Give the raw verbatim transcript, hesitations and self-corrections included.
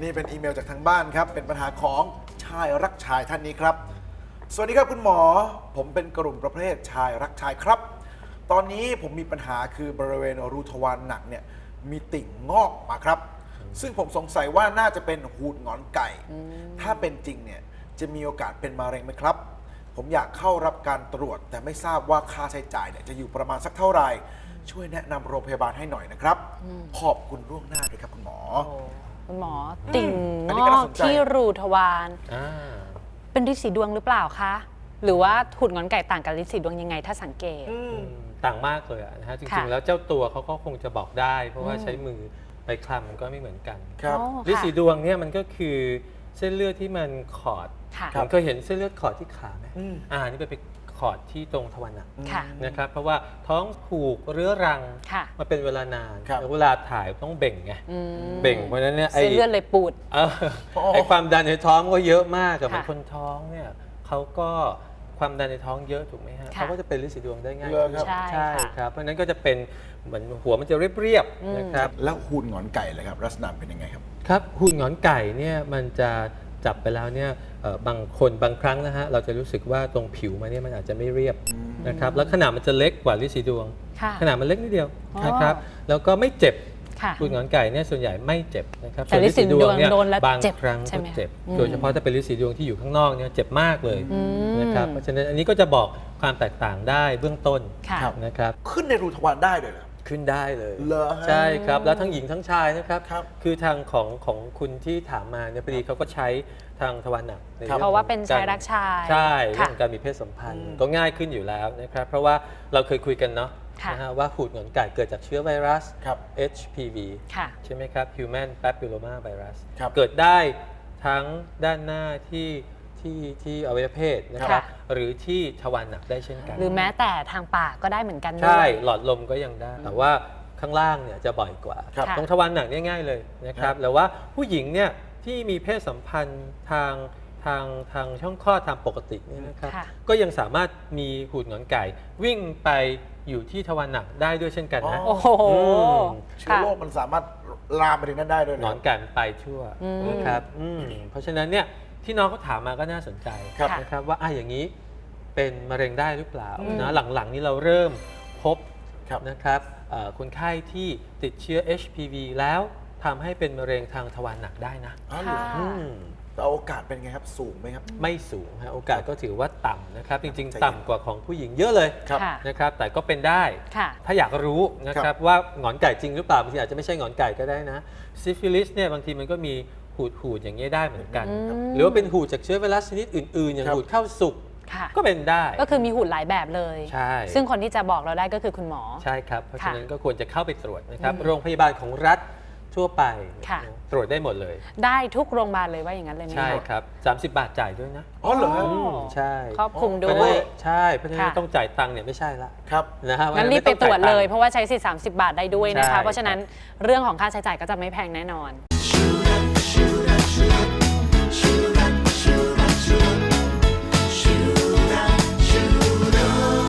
นี่เป็นอีเมลจากทางบ้านครับเป็นปัญหาของชายรักชายท่านนี้ครับสวัสดีครับคุณหมอผมเป็นกลุ่มประเภทชายรักชายครับตอนนี้ผมมีปัญหาคือบริเวณรูทวารหนักเนี่ยมีติ่งงอกมาครับซึ่งผมสงสัยว่าน่าจะเป็นหูดหงอนไก่ถ้าเป็นจริงเนี่ยจะมีโอกาสเป็นมะเร็งไหมครับผมอยากเข้ารับการตรวจแต่ไม่ทราบว่าค่าใช้จ่ายเนี่ยจะอยู่ประมาณสักเท่าไหร่ช่วยแนะนำโรงพยาบาลให้หน่อยนะครับขอบคุณล่วงหน้าด้วยครับคุณหมอคุณหมอติ่งอันงนี้ก็อน่าก สนใจที่รูทวารอ่าเป็นฤทธิ์สีดวงหรือเปล่าคะหรือว่าหุ่นงอนไก่ต่างกับฤทธิ์สีดวงยังไงถ้าสังเกตต่างมากเลยนะฮะจริค่ะงๆแล้วเจ้าตัวเขาก็คงจะบอกได้ เพราะว่าใช้มือไปคลำมันก็ไม่เหมือนกันครับโอ้ฤทธิ์สีค่ะดวงเนี่ยมันก็คือเส้นเลือดที่มันขอดค่ะผมเคยเห็นเส้นเลือดขอดที่ขาไหมอืมอ่านี่ไปไปขอดที่ตรงทวารหนักค่ะนะครับเพราะว่าท้องผูกเรื้อรังค่ะมาเป็นเวลานานครับแล้วเวลาถ่ายต้องเบ่งไงอืมเบ่งเพราะฉะนั้นเนี่ยไอ้เส้นเลือดเลยปูดเออไอ้ความดันในท้องก็เยอะมากกับค่ะคนท้องเนี่ยเขาก็ความดันในท้องเยอะถูกไหมฮะค่ะเขาก็จะเป็นฤทธิ์สีดวงได้ง่ายเหรอครับใช่ใช่ค่ะครับเพราะฉะนั้นก็จะเป็นเหมือนหัวมันจะเรียบอืมๆนะครับแล้วหูดหงอนไก่เลยครับลักษณะเป็นยังไงครับครับหุ่นหงอนไก่เนี่ยมันจะจับไปแล้วเนี่ยเอ่อบางคนบางครั้งนะฮะเราจะรู้สึกว่าตรงผิวมันเนี่ยมันอาจจะไม่เรียบนะครับแล้วขนาดมันจะเล็กกว่าฤทธิ์สีดวงค่ะขนาดมันเล็กนิดเดียวอ๋อนะครับแล้วก็ไม่เจ็บค่ะหุ่นหงอนไก่เนี่ยส่วนใหญ่ไม่เจ็บนะครับแต่ฤทธิ์สีดวงเนี่ยโดนแล้วบางเจ็บครั้งใช่ก็ไหมเจ็บอืมโดยเฉพาะถ้าเป็นฤทธิ์สีดวงที่อยู่ข้างนอกเนี่ยเจ็บมากเลยอืมนะครับเพราะฉะนั้นอันนี้ก็จะบอกความแตกต่างได้เบื้องต้นค่ะครับนะครับขึ้นในรูทวารได้เลยเหรอขึ้นได้เลยเหรอฮะใช่ครับแล้วทั้งหญิงทั้งชายนะครับครับคือทางของของคุณที่ถามมาเนี่ยพอดีเขาก็ใช้ทางทวารหนักในครับองเพราะว่าเป็นชายกรักชายใช่เรื่ค่ะองของการมีเพศสัมพันธ์อืมก็ง่ายขึ้นอยู่แล้วนะครับเพราะว่าเราเคยคุยกันเนาะค่ะนะฮะว่าหูดหงอนไก่เกิดจากเชื้อไวรัสครับเอช พี วีค่ะใช่ไหมครับ Human Papilloma Virus ครับเกิดได้ทั้งด้านหน้าที่ที่ที่อวัยวะเพศนะครับค่ะหรือที่ทวารหนักได้เช่นกันหรือแม้แต่ทางปากก็ได้เหมือนกันด้ใช่วยหลอดลมก็ยังได้ แต่ว่าข้างล่างเนี่ยจะบ่อยกว่าครับตรงทวารหนักเนี่ยง่ายเลยนะคครัรับบ แต่ว่าผู้หญิงเนี่ยที่มีเพศสัมพันธ์ทางทางทางช่องคลอดตามปกติเนี่ยนะครับค่ะก็ยังสามารถมีหูดหงอนไก่ วิ่งไปอยู่ที่ทวารหนักได้ด้วยเช่นกันนะโอ้โหอืมเชื้อโรคมันสามารถลามไปถึงนั้นได้ด้วยหเหนรอนไก่มันไปทั่วอืมนะครับอืมเพราะฉะนั้นเนี่ยที่น้องเขาถามมาก็น่าสนใจครับนะครับว่าอ่ะอย่างนี้เป็นมะเร็งได้หรือเปล่าอืมนะหลังๆนี้เราเริ่มพบครับนะครับเอ่อคนไข้ที่ติดเชื้อ เอช พี วี แล้วทำให้เป็นมะเร็งทางทวารหนักได้นะอ๋อเหรอค่ะอืมแต่โอกาสเป็นไงครับสูงไหมครับไม่สูงฮะโอกาสก็ถือว่าต่ำนะครับ จริงใจเย็นๆ ต่ำกว่าของผู้หญิงเยอะเลยครับค่ะนะครับแต่ก็เป็นได้ค่ะถ้าอยากรู้นะคครัรับบ ว่าหงอนไก่จริงหรือเปล่าบางทีอาจจะไม่ใช่หงอนไก่ก็ได้นะซิฟิลิสเนี่ยบางทีมันก็มีหูดหูดๆอย่างนี้ยได้เหมือนกันอืมหรือว่าเป็นหูดจากเชื้อไวรัสชนิดอื่นๆ อย่างครับหูดเข้าสุกค่ะก็เป็นได้ก็คือมีหุ่นหลายแบบเลยใช่ซึ่งคนที่จะบอกเราได้ก็คือคุณหมอใช่ครับ เพราะค่ะฉะนั้นก็ควรจะเข้าไปตรวจนะครับอืมโรงพยาบาลของรัฐทั่วไปค่ะตรวจได้หมดเลยได้ทุกโรงพยาบาลเลยว่าอย่างนั้นเลยไหมใช่คะครับสามสิบบาทจ่ายด้วยนะอ๋อเหรอฮะโอ้อืมใช่ครอบคลุมเพด้ราะฉะวนั้ยนใช่เพราะฉะนั้นค่ะต้องจ่ายตังค์เนี่ยไม่ใช่ละครับนะฮะงั้นรีบไปม่ตรวจองเลจ่ายย เพราะว่าใช้สิทธิ์สามสิบบาทได้ด้วยนะคะใช่เพราะฉะนั้นเรื่องของค่าใช้จ่ายก็จะไม่แพงแน่นอน